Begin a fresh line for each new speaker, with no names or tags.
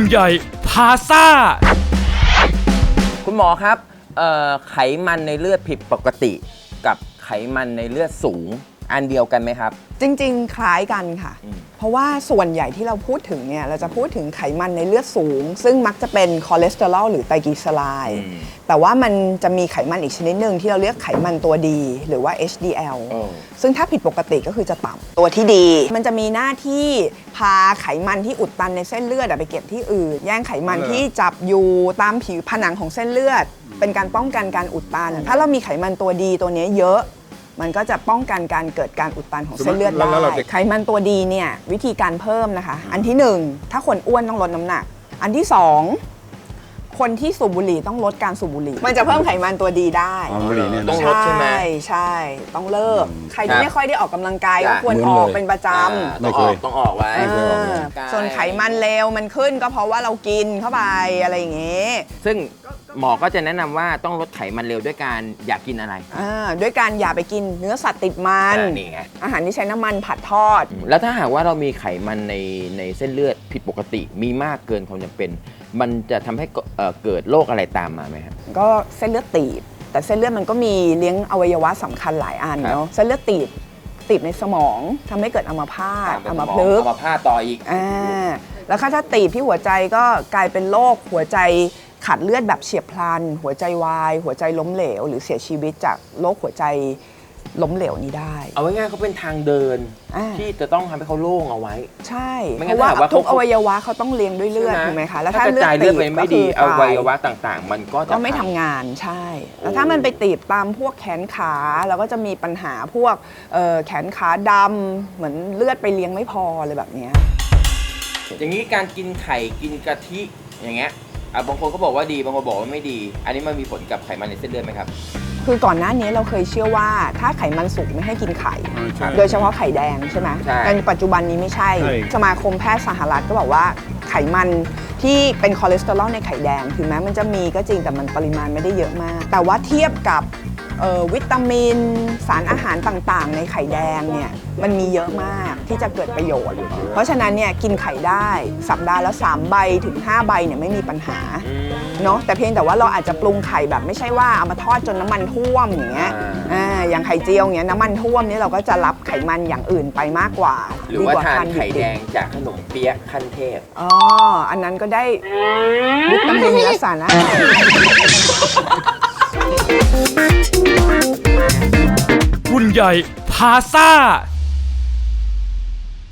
ใหญ่พาซ่า
คุณหมอครับไขมันในเลือดผิดปกติกับไขมันในเลือดสูงอันเดียวกันไหมครับ
จริงๆคล้ายกันค่ะเพราะว่าส่วนใหญ่ที่เราพูดถึงเนี่ยเราจะพูดถึงไขมันในเลือดสูงซึ่งมักจะเป็นคอเลสเตอรอลหรือไตรกลีเซอไรด์แต่ว่ามันจะมีไขมันอีกชนิดหนึ่งที่เราเรียกไขมันตัวดีหรือว่า HDL ซึ่งถ้าผิดปกติก็คือจะต่ำตัวที่ดีมันจะมีหน้าที่พาไขมันที่อุดตันในเส้นเลือดไปเก็บที่อื่นแย่งไขมันที่จับอยู่ตามผิวผนังของเส้นเลือดเป็นการป้องกันการอุดตันถ้าเรามีไขมันตัวดีตัวนี้เยอะมันก็จะป้องกันการเกิดการอุดตันของเส้นเลือดได้ไขมันตัวดีเนี่ยวิธีการเพิ่มนะคะอันที่1ถ้าคนอ้วนต้องลดน้ำหนักอันที่2คนที่สูบบุหรี่ต้องลดการสูบบุหรี่มันจะเพิ่มไขมันตัวดีได้
บุหรี่เนี่ยต้องลดใช่ไหม
ใช่ต้องเลิกใครที่ไม่ค่อยได้ออกกำลังกายก็ควรออกเป็นประจำ
ต้องออกไว้
ส่วนไขมันเลวมันขึ้นก็เพราะว่าเรากินเข้าไปอะไรอย่างเงี้ย
ซึ่งหมอก็จะแนะนำว่าต้องลดไขมันเร็วด้วยการอยากกินอะไร
ด้วยการอย่าไปกินเนื้อสัตว์ติดมันอาหารที่ใช้น้ำมันผัดทอด
แล้วถ้าหากว่าเรามีไขมันในเส้นเลือดผิดปกติมีมากเกินความจำเป็นมันจะทำให้เกิดโรคอะไรตามมาไหมครับ
ก็เส้นเลือดตีบแต่เส้นเลือดมันก็มีเลี้ยงอวัยวะสำคัญหลายอันเนาะเส้นเลือดตีบในสมองทำให้เกิดอัมพาตอัมพฤกษ์
อัมพาตต่ออีก
แล้วถ้าตีบที่หัวใจก็กลายเป็นโรคหัวใจขาดเลือดแบบเฉียบพลันหัวใจวายหัวใจล้มเหลวหรือเสียชีวิตจากโรคหัวใจล้มเหลวนี้ได้
เอาไว้ง่ายเขาเป็นทางเดินที่จะต้องทำให้เขาโล่งเอาไว้
ใช่เพราะว่าทุกอวัยวะเขาต้องเลี้ยงด้วยเลือดถูกไหมคะ
แล้วถ้าเลือดตีบไม่ดีอวัยวะต่างๆมันก็
ไม่ทำงานใช่แล้วถ้ามันไปตีบตามพวกแขนขาเราก็จะมีปัญหาพวกแขนขาดำเหมือนเลือดไปเลี้ยงไม่พอเลยแบบนี้
อย่างนี้การกินไข่กินกะทิอย่างเงี้ยบางคนก็บอกว่าดีบางคนบอกว่าไม่ดีอันนี้มันมีผลกับไขมันในเส้นเลือดไหมครับ
คือก่อนหน้านี้เราเคยเชื่อว่าถ้าไขมันสูงไม่ให้กินไข่โดยเฉพาะไข่แดงใช่ไหมแต่ปัจจุบันนี้ไม่ใช่สมาคมแพทย์สหรัฐก็บอกว่าไขมันที่เป็นคอเลสเตอรอลในไข่แดงถึงแม้มันจะมีก็จริงแต่มันปริมาณไม่ได้เยอะมากแต่ว่าเทียบกับวิตามินสารอาหารต่างๆในไข่แดงเนี่ยมันมีเยอะมากที่จะเกิดประโยชน์เพราะฉะนั้นเนี่ยกินไข่ได้สัปดาห์ละ3 ใบถึง 5 ใบเนี่ยไม่มีปัญหาเนาะแต่เพียงแต่ว่าเราอาจจะปรุงไข่แบบไม่ใช่ว่าเอามาทอดจนน้ำมันท่วมอย่างเงี้ยอย่างไข่เจียวอย่างเงี้ยน้ำมันท่วมนี่เราก็จะรับไขมันอย่างอื่นไปมากกว่า
หรือว่าทานไข่แดงจากขนมเปี๊ยะขั้นเทพ
อันนั้นก็ได้วิตามินและสารอาหาร
รุ่นใหญ่พาซ่า